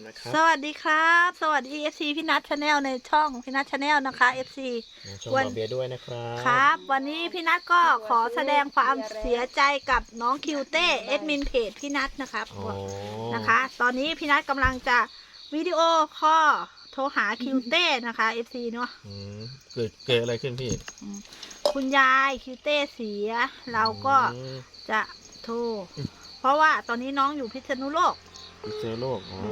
นะครับสวัสดีครับสวัสดี FC พี่นัทชาแนลในช่องพี่นัทชาแนลนะคะ FC ช่องวันบอเบียด้วยนะครับครับวันนี้พี่นัทก็ขอแสดงความเสียใจกับน้องคิวเต้เอดมินเพจพี่นัทนะครับอ๋อนะคะ ตอนนี้พี่นัทกำลังจะวิดีโอคอลโทรหาคิวเต้นะคะ FC เนาะเกิดอะไรขึ้นพี่คุณยายคิวเต้เสียเราก็อืมจะโทรเพราะว่าตอนนี้น้องอยู่พิษณุโลกพิษณุโลกอ๋อ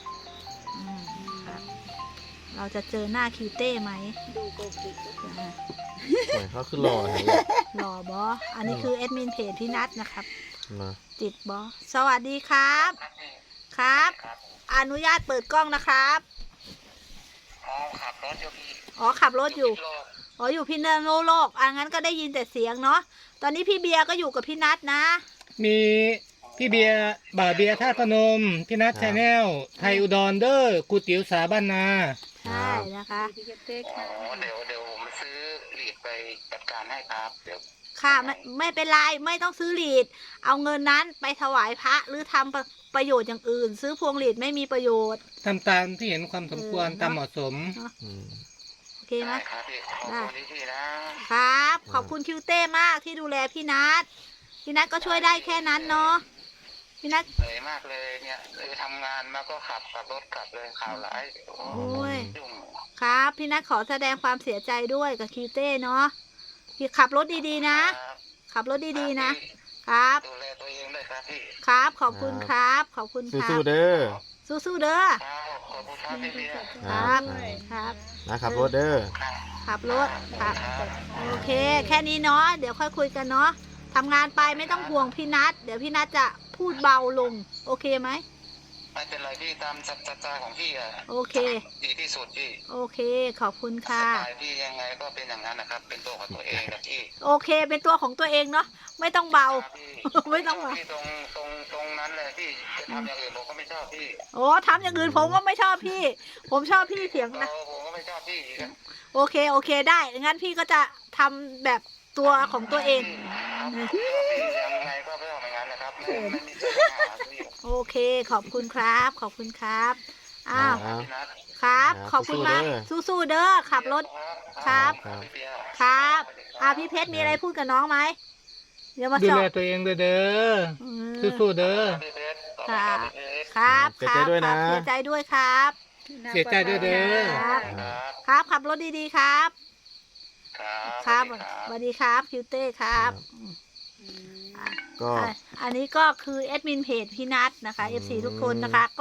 ครับเราจะเจอหน้าคิวเต้ไหมดูโกกิหมายเขาขึ้นรออะไรหล่อบออันนี้คือแอดมินเพจพี่นัทนะครับมาติดบอสวัสดีครับ ครับ อนุญาตเปิดกล้องนะครับอ๋อขับรถอยู่พี่อ๋อขับรถอยู่โลกอ๋ออยู่พิษณุโลกงั้นก็ได้ยินแต่เสียงเนาะ ตอนนี้พี่เบียร์ก็อยู่กับพี่นัทนะมีพี่เบียร์บ่าเบียร์ท่าตุพนมพี่นัทชาแนลไทยอุดรเดอร์กูติ๋วสาบ้านนาใช่นะคะพี่เต้อ๋อค่ะเดี๋ยวผมซื้อหลีดไปจัดการให้ครับเดี๋ยวค่ะไม่เป็นไรไม่ต้องซื้อหลีด เอาเงินนั้นไปถวายพระหรือทำประโยชน์อย่างอื่น ซื้อพวงหลีดไม่มีประโยชน์ทำตามที่เห็นความสมควรตามเหมาะสมอืมโอเคไหมได้ครับพี่ขอบคุณที่พี่นะครับ ขอบคุณคิวเต้มากที่ดูแลพี่นัทพี่นัทก็ช่วยได้แค่นั้นเนาะพี่นัทเหนื่อยมากเลยเนี่ยเลยทำงานมาก็ขับรถกลับเลยข่าวร้ายโอ้โอ้ยยุ่งครับพี่นัทขอแสดงความเสียใจด้วยกับคิวเต้เนาะพี่ขับรถดีๆนะครับขับรถดีๆนะ ครับดูแลตัวเองด้วยครับพี่ครับขอบคุณครับ ขอบคุณครัสู้บๆเด้อสู้ๆเด้อครับขอบคุณครับพี่เบียร์ครับครับนะครับรถเด้อครับขับรถครับครับโอเค แค่นี้เนาะเดี๋ยวค่อยคุยกันเนาะทำงานไปไม่ต้องห่วงพี่นัทเดี๋ยวพี่นัทจะพูดเบาลง โอเคไหมไม่เป็นไรพี่ตามสัจจะของพี่อะโอเคดีที่สุดพี่โอเคขอบคุณสค่ะไตล์พี่ยังไงก็เป็นอย่างนั้นนะครับ เป็นตัวของตัวเองนะพี่โอเคเป็นตัวของตัวเองเนาะไม่ต้องเบาครับพี่ไม่ต้องมาพี่ตรงนั้นเลยพี่จะทำอย่างอื่นผมก็ไม่ชอบพี่โอ้ทำอย่างอื่นผมก็ไม่ชอบพี่ ผมชอบพี่เสียงนะผมก็ไม่ชอบพี่อีกอะโอเคโอเคได้งั้นพี่ก็จะทำแบบตัวของตัวเองพี่ยังไงก็ไม่ชอบอย่างนั้นนะครับไม่มีปัญหาพี่โอเคขอบคุณครับ ขอบคุณครับอ้าวพี่นัทครับครับขอบคุณมากสู้สู้ๆเด้อขับรถ ครับพี่เบียร์ครับพี่เพชรมีอะไรพูดกับน้องไหมเดี๋ยวมาดูสอแลบตัวเองด้วยเด้ออืมสู้ๆเด้อพี่เพชรครับพี่เพชรครับเสียใจด้วยนะเสียใจด้วยครับเสียใจด้วยเด้อครับครับครับขับรถดีๆครับครับสวัสดีครับคิวเต้ครับก็อันนี้ก็คือแอดมินเพจพี่นัทนะคะ FC ทุกคนนะคะก็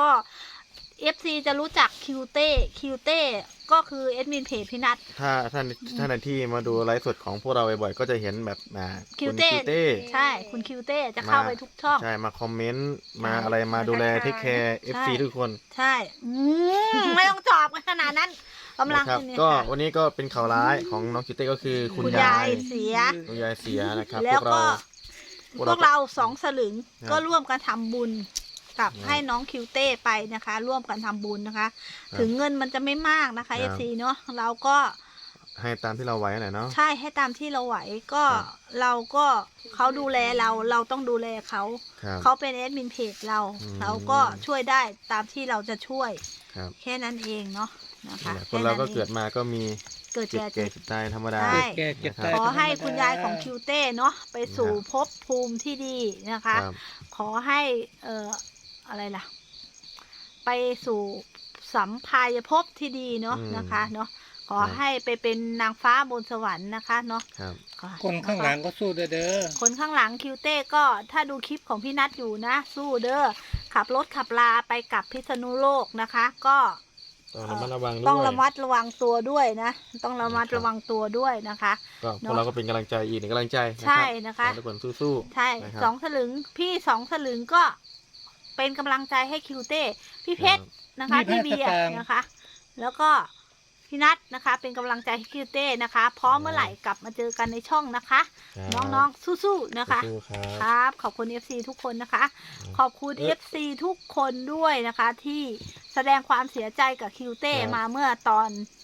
FC จะรู้จักคิวเต้ก็คือแอดมินเพจพี่นัทถ้าท่านที่มาดูไลฟ์สดของพวกเราบ่อยๆก็จะเห็นแบบคิวคุณเต้คิวเต้ใช่คุณคิวเต้จะเข้าไปทุกช่องใช่มาคอมเมนต์มาอะไรมาดูแลเทคแคร์ FC ทุกคนใช่ไม่ต้องจอบกันขนาดนั้นกำลังนะครับเนี่ยก็ค่ะวันนี้ก็เป็นข่าวร้ายของน้องคิวเต้ก็คือคุณคุณยายาย ยเสียคุณยายเสียนะครับแล้วก็พวกพวกเราเราสองสลึงครับก็ร่วมกันทำบุญกับครับให้น้องคิวเต้ไปนะคะ ร่วมกันทำบุญนะคะครับถึงเงินมันจะไม่มากนะคะครับ FC เนาะเราก็ให้ตามที่เราไหวหน่อยเนาะใช่ให้ตามที่เราไหวก็ครับเราก็เขาดูแลเราต้องดูแลเขาครับเขาเป็นแอดมินเพจเราอืมเราก็ช่วยได้ตามที่เราจะช่วยครับแค่นั้นเองเนาะนะคะนี่แหละคนเราก็เกิดมาก็มีเกิดเจ็บแก่แก่เจ็บตายธรรมดาใช่แก่เจ็บตายขอให้ธรรมดาคุณยายของคิวเต้เนาะไปสู่ภพภูมิที่ดีนะคะครับขอให้อะไรล่ะ ไปสู่สัมภายภพที่ดีเนาะนะคะเนาะขอให้ไปเป็นนางฟ้าบนสวรรค์นะคะเนาะครับคนข้างหลังก็สู้ด้วยเด้อคนข้างหลังคิวเต้ก็ถ้าดูคลิปของพี่นัทอยู่นะ สู้เด้อขับรถขับลาไปกับพิษณุโลกนะคะ ก็ต้องระมัดระวังด้วยต้องระมัดระวังตัวด้วยนะ ต้องระมัดระวังตัวด้วยนะคะก็พวกเราก็เป็นกำลังใจอีกหนึ่งกำลังใจนะใช่ครับนะคะขอให้ทุกคนสู้ๆใช่นะครับสองสลึงพี่สองสลึงก็เป็นกำลังใจให้คิวเต้พี่เพชรนะคะพี่เบียร์นะคะ แล้วก็พี่นัทนะคะ เป็นกำลังใจให้คิวเต้นะคะพร้อมเมื่อไหร่กลับมาเจอกันในช่องนะคะครับน้องๆสู้ๆนะคะสู้ๆครับครับ ขอบคุณ FC ทุกคนนะคะ ขอบคุณ FC ทุกคนด้วยนะคะ ที่แสดงความเสียใจกับคิวเต้มาเมื่อต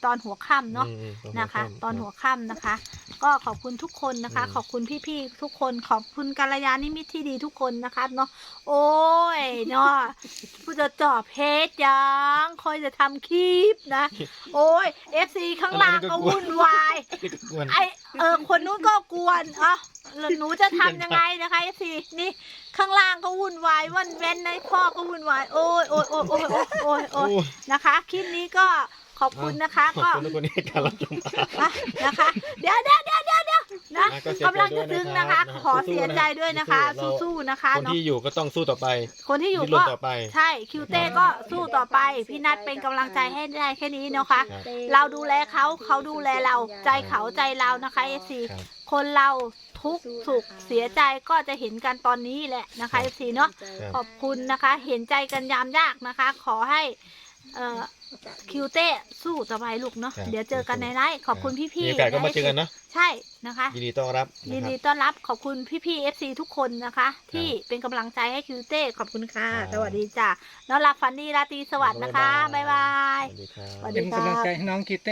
ตอนหัวค่ำเนาะอืมอืมนะคะ ตอนหัววค่ำนะคะ ก็ขอบคุณทุกคนนะคะ ขอบคุณพี่ๆทุกคนขอบคุณกัลยาณมิตรที่ดีทุกคนนะคะเนาะโอ้ยเนาะผู้จะจอบเพจยังคอยจะทำคลิปนะ โอ้ย FC ข้างล่างก็วุ่นวายกวนคนนู้นก็กวนแล้วหนูจะทำยังไงนะคะ FC นี่ข้างล่างก็วุ่นวายวันเว้นในพ่อก็วุ่นวายโอ้ยโอ้ยโอ้ยโอ้ยโอ้ยโอ้ยนะคะคลิปนี้ก็ขอบคุณนะคะขอบก็คุณทุกคนที่ให้การรับชมนะคะ เดี๋ยวนะก็เสียใจกำลังจะซึ้งนะคะด้วยนะครับขอเสียใจด้วยนะคะสู้ๆสู้ๆนะคะคนเนาะที่อยู่ก็ต้องสู้ต่อไปคนที่อยู่ดิ้นรก็นต่อไปใช่คิวเต้ก็สู้ต่อไปพี่นัทเป็นกำลังใจให้ได้แค่นี้เนาะค่ะครับเราดูแลเขาดูแลเราใจเขาใจเรานะคะเอซีครับคนเราทุกข์สุขเสียใจก็จะเห็นกันตอนนี้แหละนะคะเอซีเนาะครับขอบคุณนะคะ เห็นใจกันยามยากนะคะ ขอให้คิวเต้สู้ต่อไปลูกเนาะครับเดี๋ยวเจอกันในไลฟ์ขอบคุณพี่มีๆโอกาสก็มาเจอกันเนอะใช่นะคะยินดีต้อนรับยินนะดีครับต้อนรับขอบคุณพี่ๆ FC ทุกคนนะคะ ที่เป็นกำลังใจให้คิวเต้ขอบคุณค่ะครับสวัสดีจ้ะนอนหลับฝันดีราตรีสวัสดิ์นะคะ บ๊ายบายสวัสดีครับสวัสดีเป็นกำลังใจให้น้องคิตเต้